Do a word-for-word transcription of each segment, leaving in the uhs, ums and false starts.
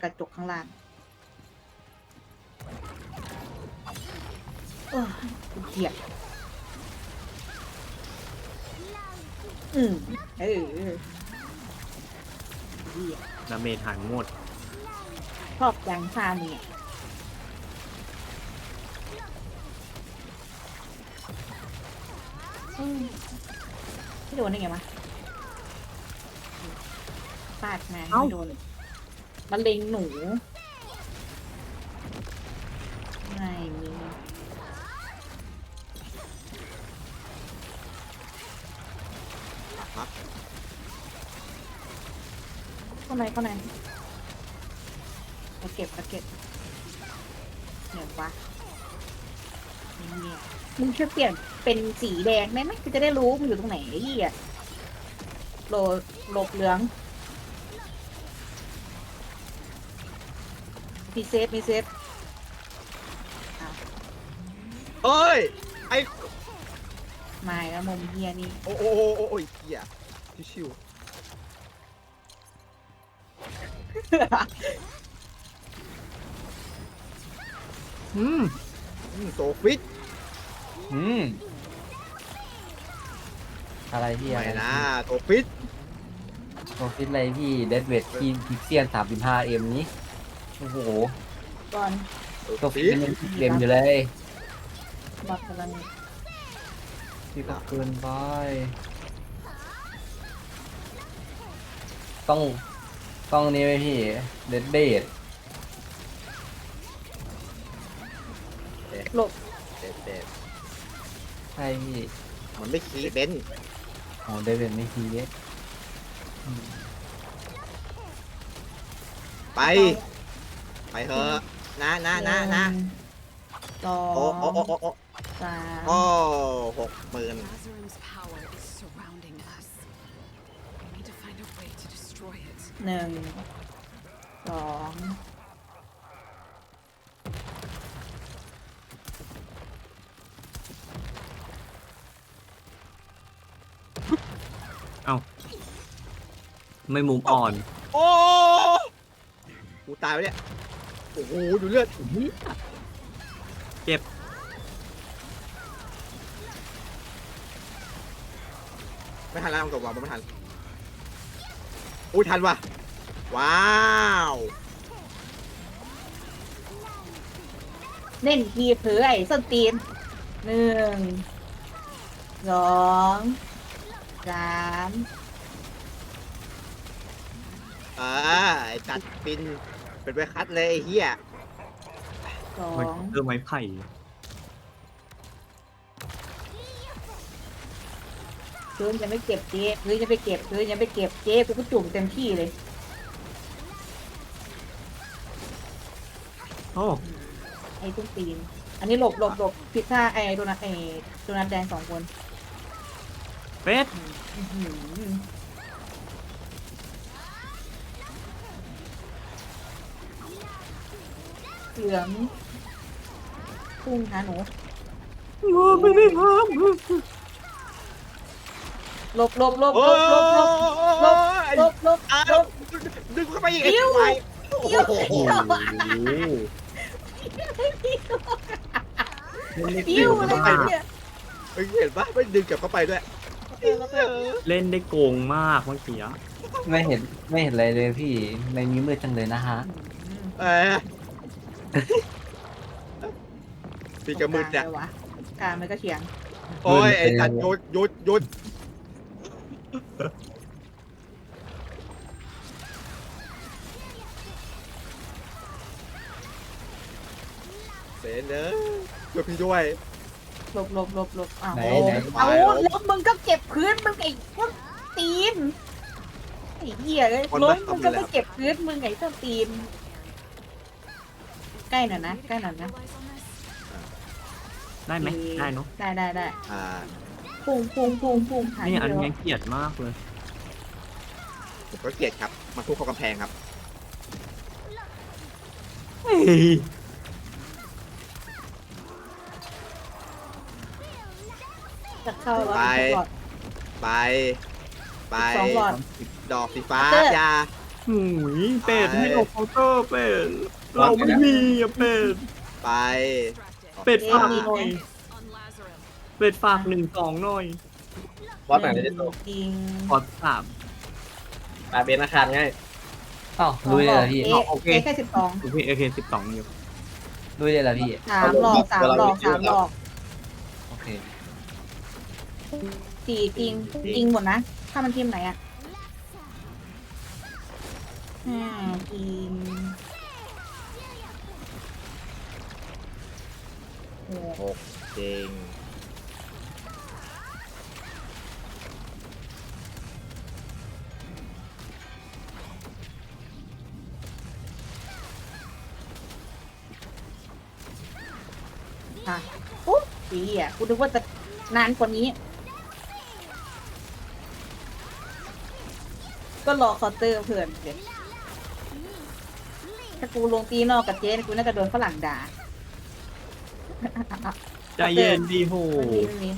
กระจกข้างล่างเออเกียดอืมเออเหี้ยดาเมจหายหมดชอบแรงซาเนี่ยอืมไม่โดนได้ไงวะปาดมาไม่โดนมันเล็งหนูไม่มีครับเข้าในเข้าในมาเก็บมาเก็บเดี๋ยววะเนี่ยมึงช่วยเปลี่ยนเป็นสีแดงได้ไหมกูจะได้รู้มึงอยู่ตรงไหนไอ้เหี้ยโหลหลบเหลืองมีเซฟมีเซฟเอ้ยไอมาแล้วมุมเฮียนี่โอ้โอ้โอ้โอ้โอ้ยเหี้ยชิวอืมๆอืมโซฟิตอืมอะไรพี่อะไรไม่นะโซฟิตโปรฟิตอะไรพี่เดดเวททีมพิกเซียนสามสิบห้าเอ็มนี้โอ้โหก่อนโซตัวฟิฟิตตมันเต็มอยู่เลยบอกกำลังพี่ก็เกินไปต้องต้องนี่ไหมพี่เดดเบทหลบเด็ดเด็ดใช่พี่มันไม่คีเบนซ์โอ้เดดเวทไม่ทีเยไป ไปเถอะนะนะนะนะสอโอ้งโอ้โอ้โอ้โอ้สามโอ้หกหมื่น Lazarum's power is surrounding us. We need to find a way to destroy it. หนึ่งสองเอ้าไม่มุมอ่อนโอ้กูตายไปเนี่ยโอ้โหดูเลือดเจ็บไม่ทันแล้วตัววางไม่ทันอุ้ยทันว่ะว้าวเล่นทีเผือไอ้ส้นตีนหนึ่งสองสามอ่าไอ้จัดปินเป็นไปคัดเลยไอ้เฮียสอมันงเริ่มไม้ไผ่พื้นยังไม่เก็บเจ๊พื้นยังไม่เก็บพื้นยังไม่เก็บเจ๊กูก็จุ่มเต็มที่เลยโอ้ไอ้ส้นตีน อันนี้หลบหลบหลบผิดท่าไอ้โดนัทไอ้โดนัทแดงสองคนเป็ดอื้อหือเหลืองพุ่งหาหนูไม่ได้ทหลบหลบหลบโอ้หลบหลบหลบหลบหลบอ่าหลบดึงเข้าไปอีกไอ้อิ๊วควายโอ้เดี๋ยวโหำโอ้โหปิ้วเลยเนี่ยเฮ้ยเห็นปะไม่ดึงกลับเข้าไปด้วยเล่นได้โกงมากเมื่อกี้อะไม่เห็นไม่เห็นอะไรเลยพี่ในนี้มืดจังเลยนะฮะเออปีกระมือเนี่ยวะกลางมันก็เฉียงโอ้ยไอ้จัดหยุดหยุดหยุดเสนเนอะช่วยพี่ด้วยหลบหลบหลบหลบอ้าวไหนโอ้ไหนเอาแล้วมึงก็เก็บพื้นมึงไอ้พวกตีนไอ้เหี้ยเลยล้มมึงก็ไม่เก็บพื้นมึงไอ้เจ้าตีน ใกล้หน่อยนะใกล้หน่อยนะ Capitalize on this? ได้ไหมได้เนาะได้ได้ได้อ่าพุ่งพุ่งพุ่งพุ่งหายนี่อันเดียวนี้เกลียดมากเลยผมก็เกลียดครับมาทุบเข้ากำแพงครับเฮ้ยจะเข้าแล้วไปอีกหลอดไป ไปสองหลอดดอกสีฟ้าเตอร์ยาหูยเป็ดให้เราเคาน์เตอร์เป็ดเราไม่มีอะเป็ดไปเป็ดเอ๊ะฝากมีหน่อยไหม On Lazarum. เป็ดฝากหนึ่งสองหน่อยบอสไหนได้ตัวจริงขอสามมาเบนอาคารง่ายอ้าวลุยเลยเหรอพี่เอ๊ะโอเคเอ๊ะแค่สิบสองโอเคโอเคสิบสองอยู่ลุยเลยเหรอพี่สามหลอกสามหลอกสามหลอกโอเคสี่จริงจริงหมดนะ ถ้ามันทีมไหนอ่ะห้าจริงหกหกจริงอ่ะปุ๊บอีอ่ะกูนึกว่าจะนานกว่านี้ ก็รอเคาน์เตอร์เพื่อนเดี๋ยวถ้ากูลงตีนอกกับเจ๊กูน่าจะโดนฝรั่งด่าใจเย็นดีโหไม่มีไม่มี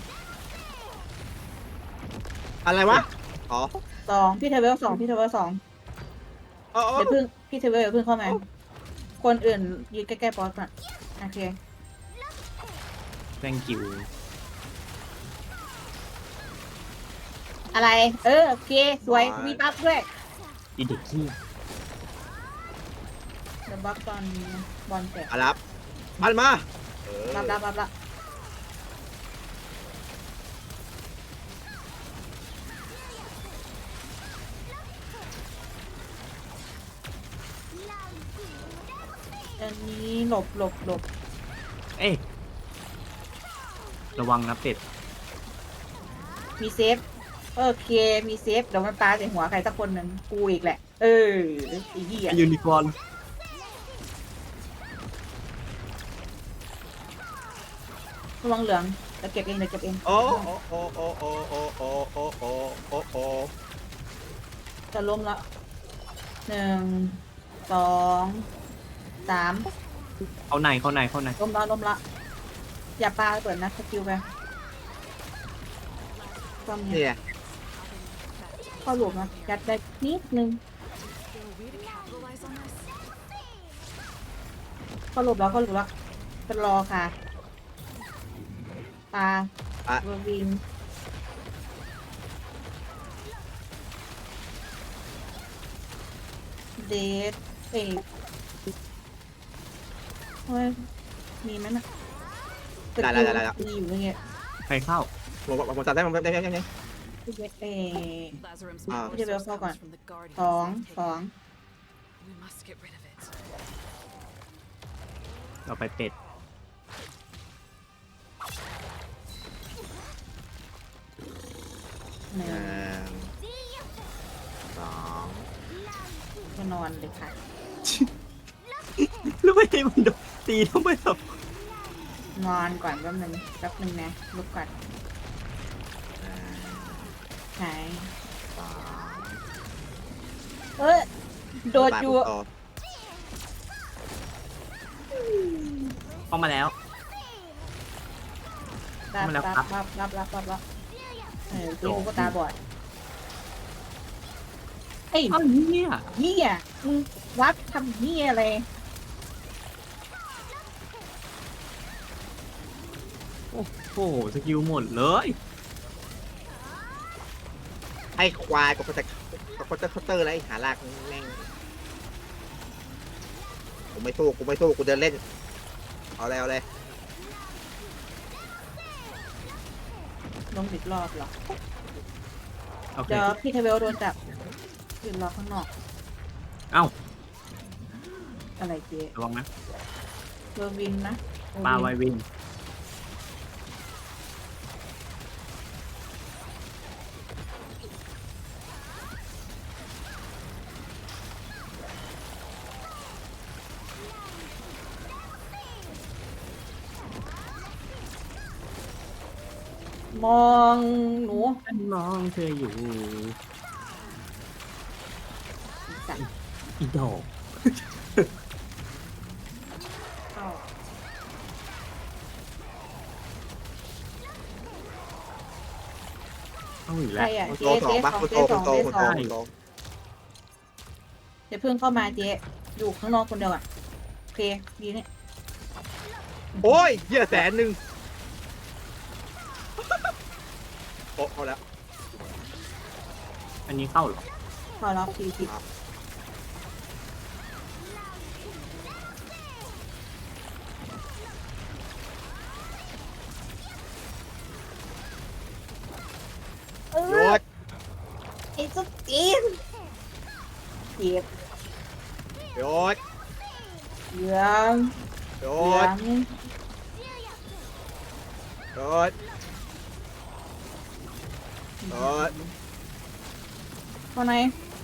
อะไรวะ อ๋อสองพี่เทเวลสองพี่เทเวลสองอ๋ออ๋อเดี๋ยวเพิ่งพี่เทเวลอย่าเพิ่งเข้ามา คนอื่นยืนใกล้ๆบอสก่อนโอเค thank you อะไร เออ โอเค สวย มีบัฟด้วยอีเด็กขี้เดี๋ยวบัฟตอนบอลเสร็จอารับมันมาเออรับรับรับรับอันนี้หลบหลบหลบเอ้ยระวังนะเป็ดมีเซฟ โอเค มีเซฟ เดี๋ยวมันปาใส่หัวใครสักคนหนึ่งกูอีกแหละ เออไอ้เหี้ยยูนิคอร์นระวังเหลืองเดี๋ยวเก็บเองเดี๋ยวเก็บเองโอ้โอ้โอ้โอ้โอ้โอ้โอ้โอ้โอ้โอ้โอ้จะล้มละหนึ่ง สองสามเข้าในเข้าในเข้าในล้มละล้มละ อย่าปาเปิดนะสกิลไปความเนี้ยเนี่ยเข้าหลุมนะยัดได้นิดนึง There a way to capitalize on this? เข้าหลุมแล้วเข้าหลุมแล้วจะรอค่ะปลาอ่ะเวอร์วินเดทเอกเฮ้ยมีไหมน่ะได้ได้ได้ได้มีอยู่เมื่อกี้ใครเข้าผมผมผมจับได้ผมได้ได้ได้ได้เอ Lazarum's Ah. power Give it a source fuck comes on. from the guardians สอง they've สอง taken. We must get rid of it. เราไปเป็ดหนึ่หงนึ่งสองก็นอนเลยค่ะแล้วไม่ให้มันโดนตีทำไมครับนอนก่อนแป๊บนึงแป๊บนึงนะลุกก่อนหนึ่งหายสองเอ้ยโดดอยู่ต่อเข้ามาแล้วรับมาแล้วรับครับรับรับรับรับรับเออตีกูก็ตาบอดไอ้อ้าวเนี่ยเหี้ยมึงวัดทำเหี้ยอะไรโอ้โหสกิลหมดเลยไอ้ควายกับเขาจะกับเขาจะเคาน์เตอร์อะไรหาลากแม่งกูไม่สู้กูไม่สู้กูเดินเล่นเอาเลยเอาเลยลงอีกรอบเหรอโอเคเดี๋ยวพี่เทเวลโดนจับยืนรอข้างนอกเอ้าอะไรเจ๊ระวังนะเวอร์วินนะเวอร์ปลาไววินวินมองหนูฉันมองเธออยู่จับอีดอกเข้าเข้าอีกใคแล้รวอ่ะคุณเจ๊โตสองเจ๊ปะสองคุณโตเจ๊สคุอณงโตเจ๊คุณสโตองคุณโตอย่าเพิ่งเข้ามาเจ๊อยู่ข้างนอกคนเดียวอ่ะโอเคดีเนี่ยโอ้ยเหี้ยแสนหนึ่งโอ้เอาแล้วอันนี้เข้าเหรอพอรับทีสิเอโยอดไอ้สุดจีนเจ็บโยดเหลืองโยเหลือดงโยดโยดข้างใน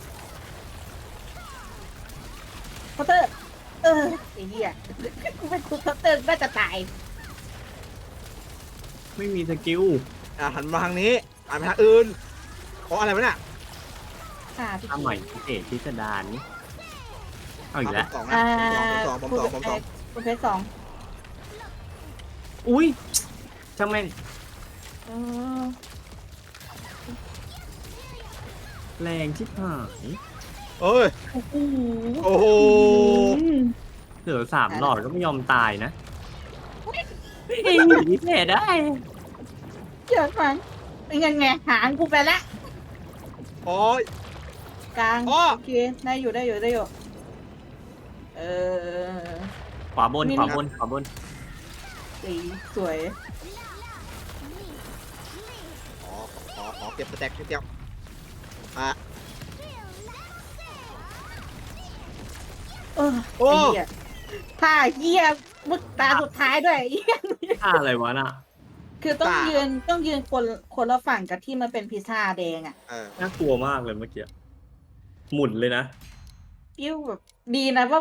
เคาน์เตอร์เออไอ้เหี้ยกูเป็นคุกเคาน์เตอร์น่าจะตายไม่มีสกิลอ่ะหันมาทางนี้หันไปทางอื่นโอ้อะไรวะเนี่ยค่ะพี่ทำใหม่พิเศษพิสดารนี่เอาอีกแล้วผมสองนะอ่าผมสองผมสองผมสองคุณเพชรสองอุ้ยช่างแม่งเออแรงชิบหายเอ้ยโอ้โหโอ้โหอืมเหลือสามหลอดก็ไม่ยอมตายนะเองพิเศษได้เยอะฟังเป็นยังไงหางกูไปละโอ้ยกลางอ้อโอเคได้อยู่ได้อยู่ได้อยู่เออขวาบนนี่ขวาบนขวาบนสีสวยขอขอขอเก็บสแต็กนิดเดียวอ่ะเออโอ้ไอ้เหี้ยผ้าเหี้ยมึกตาสุดท้ายด้วยไอ้เหี้ยท่าอะไรวะน่ะคือต้องยืนต้องยืนคนคนละฝั่งกับที่มันเป็นพิซซ่าแดงอ่ะเออน่ากลัวมากเลยเมื่อกี้หมุนเลยนะกิ้วแบบดีนะว่า